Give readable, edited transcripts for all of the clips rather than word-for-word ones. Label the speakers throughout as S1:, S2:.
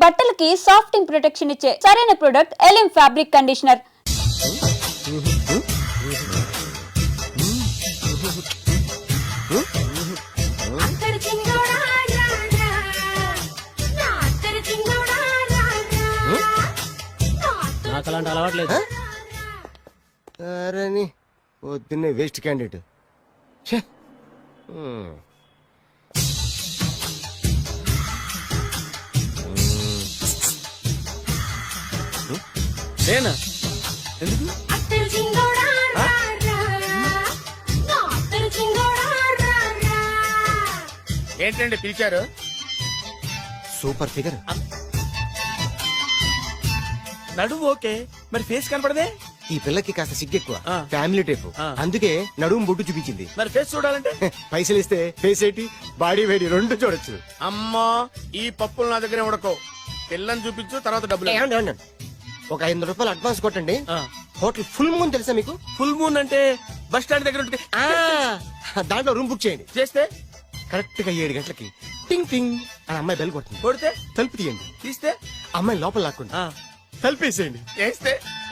S1: బట్టలకి సాఫ్టింగ్ ప్రొటెక్షన్ ఇచ్చే సరైన ప్రొడక్ట్ ఎలిమ్ ఫ్యాబ్రిక్ కండిషనర్.
S2: నాకు అలాంటి అలవాట్లేదు.
S3: అరే పొద్దున్నే వేస్ట్ క్యాండిడేట్.
S4: నేనా ఎందుకు ఏంటండి పిలిచారు?
S3: Super figure.
S4: నడువు ఓకే, మరి ఫేస్ కనపడదే.
S3: ఈ పిల్లకి కాస్త సిగ్గెక్కువ,
S4: ఆ.
S3: Family type.
S4: ఆ.
S3: అందుకే నడుము బొట్టు చూపించింది.
S4: మరి ఫేస్ చూడాలంటే
S3: పైసలు ఇస్తే ఫేస్ ఏంటి బాడీ వేడి రెండు చూడొచ్చు.
S4: అమ్మా ఈ పప్పులు నా దగ్గర ఉడకో. పిల్లని చూపించు, తర్వాత డబ్బులు.
S3: ఏమండి, ఏమండి, ఒక 500 రూపాయలు అడ్వాన్స్ కొట్టండి. హోటల్ ఫుల్ మూన్ తెలుసా మీకు?
S4: ఫుల్ మూన్ అంటే బస్ స్టాండ్ దగ్గర ఉంటుంది.
S3: దాంట్లో రూమ్ బుక్ చేయండి.
S4: చేస్తే
S3: కరెక్ట్ గా 7 గంటలకి టింగ్ టింగ్ అని అమ్మాయి బెల్ కొడుతుంది.
S4: కొడితే
S3: తలుపు తీయండి.
S4: తీస్తే
S3: అమ్మాయి లోపల లాక్కుంటా తలుపేసేయండి.
S4: చేస్తే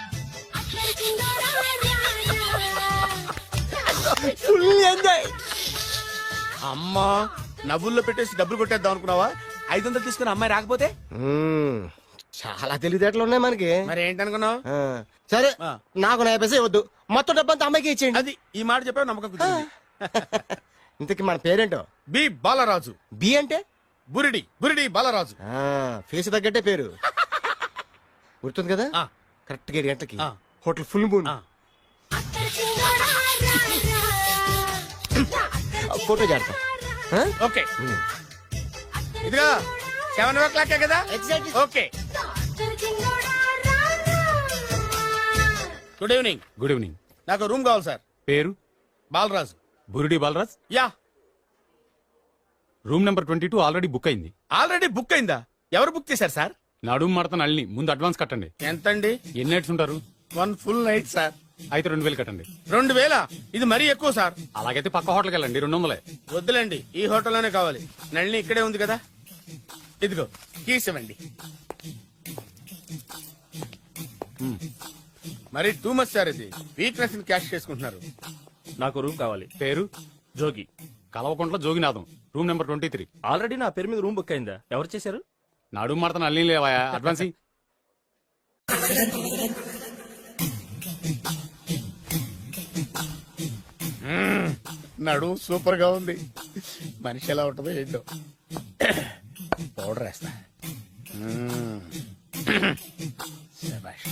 S3: ఫుల్ ఎంజాయ్.
S4: అమ్మా నవ్వుల్లో పెట్టేసి డబ్బులు కొట్టేద్దాం అనుకున్నావా? 500 తీసుకుని అమ్మాయి రాకపోతే
S3: చాలా తెలివితేటలు ఉన్నాయి మనకి.
S4: మరి ఏంటనుకున్నావు?
S3: సరే,
S4: ఆ.
S3: నాకు 50 పైసే వద్దు, మొత్తం డబ్బంతా అమ్మాయికి ఇచ్చేయండి.
S4: అది ఈ మాట చెప్పావు, నమ్మకం కుదిరింది.
S3: ఇంతకి మన పేరేంటో?
S4: బి బాలరాజు.
S3: బి అంటే
S4: బురిడి బురిడి బాలరాజు.
S3: ఫేస్ తగ్గట్టే పేరు గుర్తుంది కదా.
S4: ఆ.
S3: కరెక్ట్ గా 7 గంటలకి
S4: ఆ.
S3: Hotel full moon.
S4: ఆ.
S3: ఫోటో చేడతా.
S4: ఓకే ఇదిగా 7:00 కదా. Okay. Good evening.
S5: Good evening.
S4: నాకు రూమ్ కావాలి సార్.
S5: పేరు?
S4: Balaraju.
S5: Burudi Balaraj.
S4: Yeah.
S5: Room number 22 already book అయింది.
S4: ఆల్రెడీ బుక్ అయిందా? ఎవరు బుక్ చేశారు సార్?
S5: నడుము మడత నల్ని. ముందు అడ్వాన్స్ కట్టండి.
S4: ఎంతండి?
S5: ఎన్ని నైట్స్ ఉంటారు?
S4: 1 ఫుల్ నైట్ సార్.
S5: అయితే 2000 కట్టండి.
S4: 2000? ఇది మరీ ఎక్కువ సార్.
S5: అలాగైతే పక్క హోటల్కి వెళ్ళండి, 200.
S4: వద్దులేండి, ఈ హోటల్లోనే కావాలి. నళిని ఇక్కడే ఉంది కదా. ఇదిగో కీస్ ఇవ్వండి. మరి టూ మచ్ సార్, ఇది వీక్నెస్ ని క్యాష్ చేసుకుంటున్నారు.
S2: నాకు రూమ్ కావాలి.
S5: పేరు?
S2: Jogi.
S5: Kalavakuntla Joginatham. Room number 23.
S2: Already నా పేరు మీద రూమ్ బుక్ అయిందా? ఎవరు చేశారు?
S5: నడుము మడత నల్ని లేవా? అడ్వాన్స్ ఇయ్యి.
S4: నడు సూపర్ గా ఉంది. మనిషి ఎలా ఉంటుందో ఏంటో. పౌడర్ వేస్తా. శభాష్.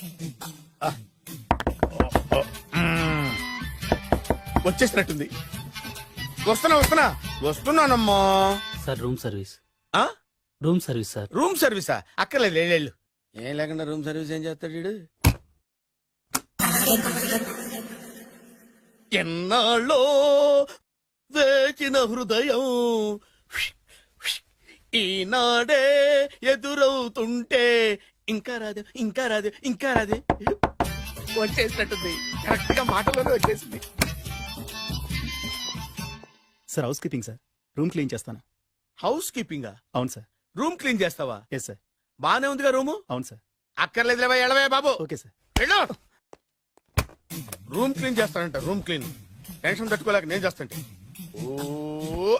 S4: వచ్చేసినట్టుంది. వస్తున్నానమ్మా.
S2: Sir room service.
S4: ఆ?
S2: Room service sir.
S4: రూమ్ సర్వీసా? అక్కర్లేదు, లేళ్ళు. ఏం లేకుండా రూమ్ సర్వీస్ ఏం చేస్తాడు వీడు? ఎన్నాళ్ళో వేచిన హృదయం ఈనాడే ఎదురవుతుంటే ఇంకా రాదు, ఇంకా రాదు, ఇంకా రాదు. వచ్చేసినట్టుంది. కరెక్ట్ గా మాటలోనే వచ్చేసింది.
S6: Sir house keeping sir. Room clean చేస్తాను.
S4: హౌస్ కీపింగా?
S6: అవును సార్.
S4: రూమ్ క్లీన్ చేస్తావా?
S6: Yes sir.
S4: బానే ఉందిగా రూము.
S6: అవును సార్.
S4: అక్కర్లేదు, ఎడవే బాబు.
S6: Okay sir.
S4: వెళ్ళు. రూమ్ క్లీన్ చేస్తానంట. రూమ్ క్లీన్ టెన్షన్ తట్టుకోలేక నేను చేస్తాంటే. ఓ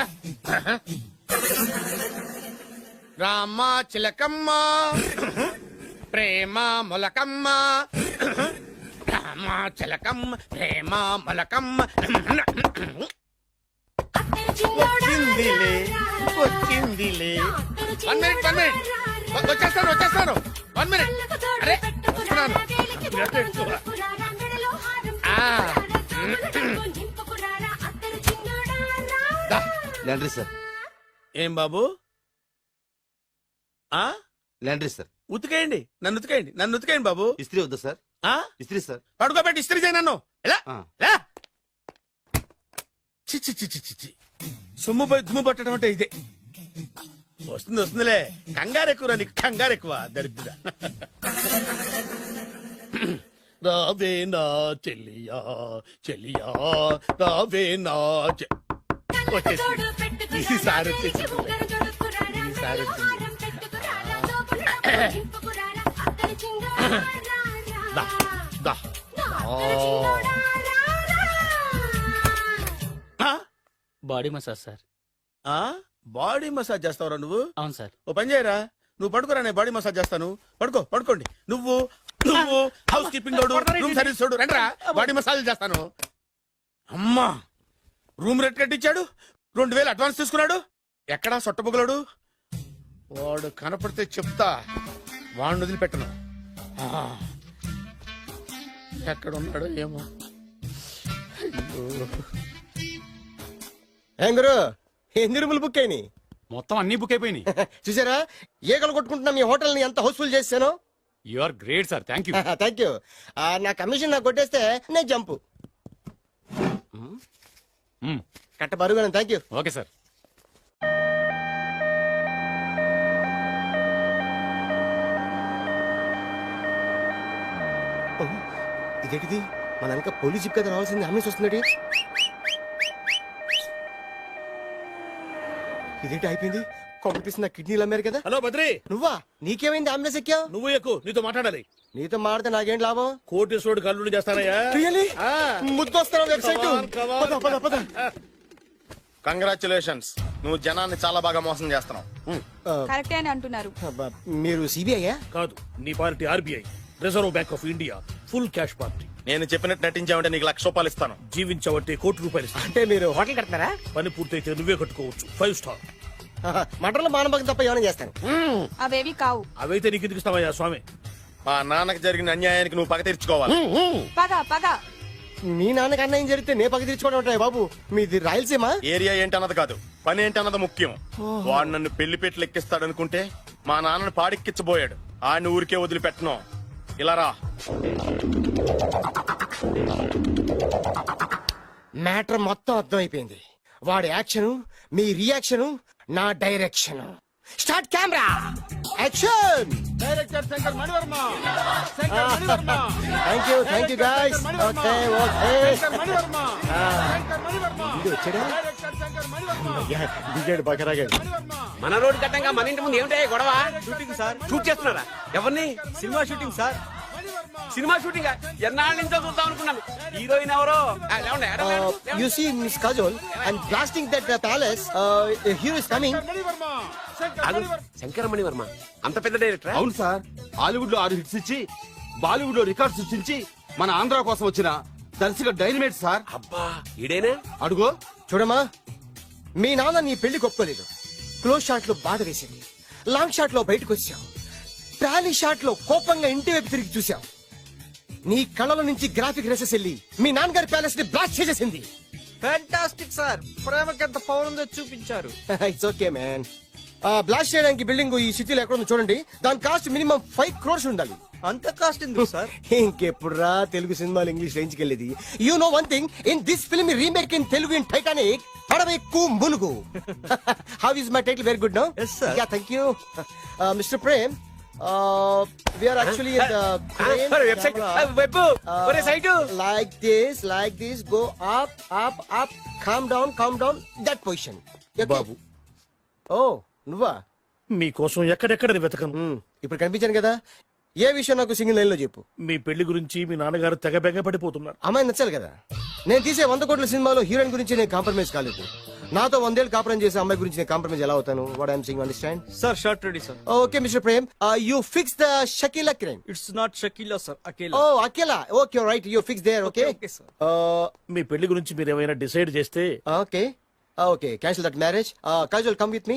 S4: రామ చిలకమ్మ ప్రేమ మొలకమ్మ, రామ చిలకమ్మ ప్రేమ మొలకమ్మ. వచ్చిందిలే వచ్చిందిలే. 1 మినిట్ వచ్చేస్తాను. 1 మినిట్. అరే వస్తున్నాను.
S3: Laundry sir.
S4: ఏం బాబు?
S3: Laundry sir.
S4: ఉతికేయండి, నన్ను ఉతికేయండి బాబు.
S3: ఇస్త్రీ వద్దా సార్? ఇస్త్రీ సార్.
S4: పడుకోబెట్టి ఇస్త్రీ చేయి నన్ను. ఎలా చి సొమ్ము పోయి దుమ్ము పట్టడం అంటే ఇదే. వస్తుందిలే. కంగారు ఎక్కువ, నీకు కంగారు ఎక్కువ. దరిద్ర. రావే నా చెల్లియా చెల్లియా, రావే నా ఈసారి వచ్చింది. దా, దా. ఆ?
S2: Body massage sir.
S4: ఆ? బాడీ మసాజ్ చేస్తావురా నువ్వు?
S2: అవును సార్.
S4: ఓ పని చేయరా, నువ్వు పడుకోరా, నేను బాడీ మసాజ్ చేస్తాను. పడుకోండి. నువ్వు హౌస్ కీపింగ్ తోడు, రూమ్ సర్వీస్ తోడు, రండిరా, బాడీ మసాజ్ చేస్తాను. అమ్మా, రూమ్ రేట్ కట్టించాడు, 2000 అడ్వాన్స్ తీసుకున్నాడు. ఎక్కడా సొట్టబుగలాడు? వాడు కనపడితే చెప్తా, వాడిని వదిలిపెట్టను. ఆ, ఎక్కడ ఉన్నాడో ఏమో. అయ్యో.
S3: ఏం గురు, ఎన్ని రూములు బుక్ అయినాయి?
S5: మొత్తం అన్ని బుక్ అయిపోయినాయి.
S3: చూసారా, ఈగలు కొట్టుకుంటున్నా మీ హోటల్ ని ఎంత హౌస్ఫుల్ చేశాను.
S5: You are great sir, thank you.
S3: Thank you. నా కమిషన్ నాకు కొట్టేస్తే నేను జంపు. కట్ట బరుగా. Thank you.
S5: Okay sir.
S3: ఇదేంటిది, మన వెనక పోలీస్ జిప్ కదా రావాల్సింది, అంబులెన్స్ వస్తుంది. ఇదేంటి అయిపోయింది, కొంపపిస్తున్న కిడ్నీలు అమ్మారు కదా.
S4: హలో బద్రి,
S3: నువ్వా? నీకేమైంది అంబులెన్స్ ఎక్కావు?
S4: నువ్వు ఎక్కువ, నీతో మాట్లాడాలి.
S3: నీతో మాడితే నాకేం లాభం?
S4: కోటేశ్వరుడు కల్లుడు చేస్తానయ్యా.
S3: ముద్దొస్తారా వెబ్సైట్?
S7: కంగ్రాచులేషన్స్, నువ్వు జనాన్ని చాలా బాగా మోసం చేస్తున్నావు.
S1: కరెక్టే అని అంటున్నారు.
S3: మీరు సిబిఐయా?
S4: కాదు, నీ party RBI, reserve bank of India, full cash party.
S7: నేను చెప్పినట్టు నటించావంటే నీకు ₹1,00,000 ఇస్తాను.
S4: జీవించబట్టి ₹1,00,000 ఇస్తాను.
S3: అంటే మీరు హోటల్ కడతారా?
S4: పని పూర్తయితే నువ్వే కట్టుకోవచ్చు, 5 స్టార్.
S3: మటన్లో మానభంగం తప్ప ఏమైనా చేస్తాను.
S1: అవేవి కావు.
S4: అవైతే నీకు ఎందుకు ఇస్తావయ్యా స్వామి?
S7: మా నాన్నకి జరిగిన అన్యాయానికి నువ్వు పగ తీర్చుకోవాలి.
S1: పగ
S3: మీ నాన్నకి అన్యాయం జరిగితే నే పక్క తీర్చుకోవడం ఉంటాయి బాబు. మీది రాయలసీమ.
S7: ఏరియా ఏంటన్నది కాదు, పని ఏంటన్నది ముఖ్యం. వాడు నన్ను పెళ్లి పెట్లు ఎక్కిస్తాడనుకుంటే మా నాన్నను పాడెక్కించబోయాడు. ఆడిని ఊరికే వదిలిపెట్టను. ఇలా రా.
S3: మ్యాటర్ మొత్తం అర్థమైపోయింది. వాడి యాక్షన్, మీ రియాక్షన్, నా direction. Start camera, action.
S4: Director Shankar Manivarma.
S3: Thank you guys. Okay వచ్చాడా? దిగాడు బకరాగాడు.
S8: మన రోడ్డు కట్టంగా మన ఇంటి ముందు ఏమిటాయి గొడవ? Shooting sir. షూట్ చేస్తున్నారా? ఎవరిని? Cinema shooting sir. Cinema shooting ఎన్నాళ్ళ నుంచో చూద్దాం అనుకున్నాను. హీరోయిన్ ఎవరో?
S3: You see, Miss Kajol, I'm blasting that palace. Hero is coming.
S8: శంకరమణి Varma అంత పెద్ద డైరెక్టర్?
S9: అవును సార్, హాలీవుడ్ లో 6 హిట్స్ ఇచ్చి బాలీవుడ్ లో రికార్డ్ సృష్టించి మన ఆంధ్ర కోసం వచ్చిన దర్శక డైనమేట్ సార్.
S8: అబ్బా, ఈడేనా?
S9: అడుగో.
S3: చూడమ్మా, మీ నాన్న నీ పెళ్లి ఒప్పుకోలేదు. క్లోజ్ షాట్ లో బాధ వేసింది, లాంగ్ షాట్ లో బయటకు వచ్చావు, ట్రాలీ షాట్ లో కోపంగా ఇంటి వైపు తిరిగి చూసావు. నీ కళ్ళలో నుంచి గ్రాఫిక్ రెసెస్ వెళ్ళి మీ నాన్నగారి ప్యాలెస్ ని బ్లాస్ట్ చేసేసింది.
S10: ఫ్యాంటాస్టిక్ సార్, ప్రేమకి ఎంత పవర్ ఉందో చూపించారు.
S3: It's okay man. బ్లాస్ట్ చేయడానికి బిల్డింగ్ ఈ సిటీలో ఎక్కడ ఉందో చూడండి. దాని కాస్ట్ మినిమం 5 crores ఉండాలి.
S10: అంత కాస్ట్ ఎందుకు సార్?
S3: ఇంకెప్పుడురా తెలుగు సినిమాలు ఇంగ్లీష్ రేంజ్ కి వెళ్ళేది. You know one thing, in this film remake in Telugu in Titanic, పడవెక్కు మునుగు. How is my title? Very good no.
S10: Yes, sir.
S3: Yeah, thank you. Mister Prem, we are actually in the crane
S8: website
S3: camera.
S8: Web ఒరే site.
S3: like this, go up, calm down, that position. Okay?
S4: బాబు,
S3: Oh, నువ్వా?
S4: మీకోసం ఎక్కడెక్కడ వెతకను.
S3: ఇప్పుడు కనిపించాను కదా. ఏ విషయం నాకు single line లో చెప్పు.
S4: మీ పెళ్లి గురించి మీ నాన్నగారు తెగ బెగ పడిపోతున్నారు.
S3: అమ్మాయి నచ్చాలి కదా. నేను తీసే 100 కోట్ల సినిమాలో హీరోయిన్ గురించి నేను కాంప్రమైజ్ కాలేదు. నాతో 100 ఏళ్ళు కాపురం చేసే అమ్మాయి గురించి నేను కాంప్రమైజ్ ఎలా అవుతాను? What I'm saying, understand?
S10: Sir shot ready sir.
S3: Okay mister Prem, you fix the Shakeela crime.
S10: It's not Shakeela sir, Akela.
S3: Oh Akela. Okay right, you fix there. Okay
S10: Okay, sir.
S4: మీ పెళ్లి గురించి మీరు ఏమైనా డిసైడ్ చేస్తే
S3: okay cancel that marriage. Kajal come with me.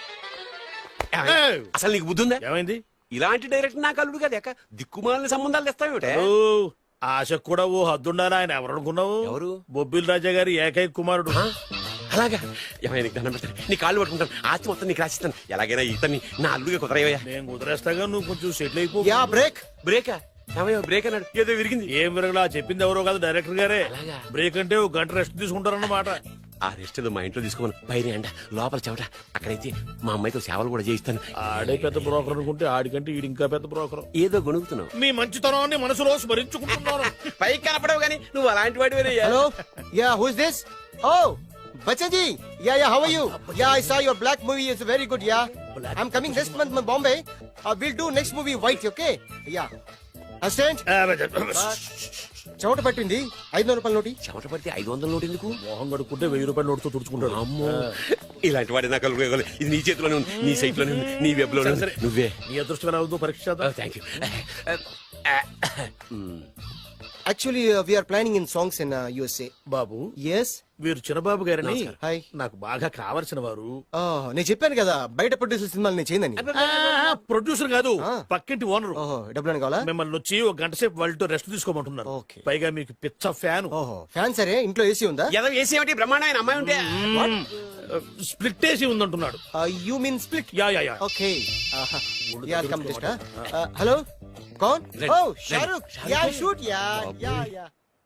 S8: అసలు నీకు బుద్ధి ఉందా?
S4: ఏమైంది?
S8: ఇలాంటి డైరెక్టర్ నాకు అల్లుడు కదా, దిక్కుమాలిన సంబంధాలు తెస్తావేమిటే?
S4: ఓ, ఆశకు కూడా ఓ హద్దుండాలి. ఆయన ఎవరు అనుకున్నావు?
S8: ఎవరు?
S4: బొబ్బిల్ రాజా గారి ఏకైక కుమారుడు.
S8: అలాగా? ఏమైనా నీకు దండం పెడతాను, నీ కాళ్ళు పట్టుకుంటాను, ఆస్తి మొత్తం నీకు రాసిస్తాను. ఎలాగైనా ఇతన్ని నా అల్లుగా కుదరయ్యా.
S4: నేను కుదిరేస్తాగా, నువ్వు కొంచెం సెటిల్ అయిపో.
S3: Yeah, break.
S8: బ్రేకా? ఏమయ్యో బ్రేక్ అన్నాడు, ఏదో విరిగింది.
S4: ఏం విరగలా, చెప్పింది ఎవరో కాదు, డైరెక్టర్ గారే.
S8: అలాగా?
S4: బ్రేక్ అంటే ఒక గంట రెస్ట్ తీసుకుంటారన్నమాట.
S8: ఆ రెస్ట్ ఏదో మా ఇంట్లో తీసుకోమని, పైన అంట లోపల చెమట. అక్కడైతే మా అమ్మాయితో సేవలు కూడా చేయిస్తాను.
S4: ఆడే పెద్ద బ్రోకర్ అనుకుంటే ఆడికంటే ఈడు ఇంకా పెద్ద బ్రోకర్.
S8: ఏదో గొణుగుతున్నావు.
S4: మీ మంచితనాన్ని మనసులో స్మరించుకుంటున్నాను.
S8: పైకి కనపడవు గానీ నువ్వు అలాంటి వాడివేనయ్యా.
S3: Hello, yeah, who is this? Oh, Bachchan ji, yeah, how are you? Yeah, I saw your black movie. It's very good, yeah. I'm coming next month in Bombay. We'll do next movie White, okay? Yeah. Assistant? చెమట పట్టింది 500 రూపాయల నోటి.
S8: చెమట పడితే 500 note ఎందుకు?
S4: మొహం కడుక్కుంటే 1000 రూపాయల నోటుతో తుడుచుకుంటాడు.
S8: అమ్మో, ఇలాంటి వాడి నాకు ఇది నీ చేతిలోనే ఉంది, నీ సైట్ లోనే ఉంది, నీ వెబ్ లోనే ఉంది. నువ్వే
S4: నీ అదృష్టం అవుతుందో పరీక్ష చేద్దాం.
S8: Thank you.
S3: Actually, we are planning in songs in USA.
S4: బాబు,
S3: Yes?
S4: వీరు చిన్నబాబు గారని
S3: Hi.
S4: నాకు బాగా కావలసిన వారు.
S3: నేను చెప్పాను కదా బయట ప్రొడ్యూసర్ సినిమాలు నేను చేయనని.
S4: ప్రొడ్యూసర్ కాదు,
S3: ఆ.
S4: పక్కింటి ఓనరు.
S3: ఓహో, డబ్బులు కావాలా?
S4: మిమ్మల్ని వచ్చి ఒక గంట సేపు వాళ్ళతో రెస్ట్ తీసుకోమంటున్నారు.
S3: ఓకే.
S4: పైగా మీకు పిచ్చ ఫ్యాన్.
S3: ఓహో, ఫ్యాన్ సరే, ఇంట్లో ఏసీ ఉందా?
S8: ఏదో వేసి ఏమిటి బ్రహ్మాండమైన అమ్మాయి ఉంటే
S4: స్ప్లిట్ వేసి ఉందంటున్నాడు.
S3: You mean split?
S4: Yeah yeah yeah.
S3: Okay. Yeah, come just. Hello? Kaun?
S8: Ready.
S3: Oh, Shahrukh. Yeah, shoot. Yeah.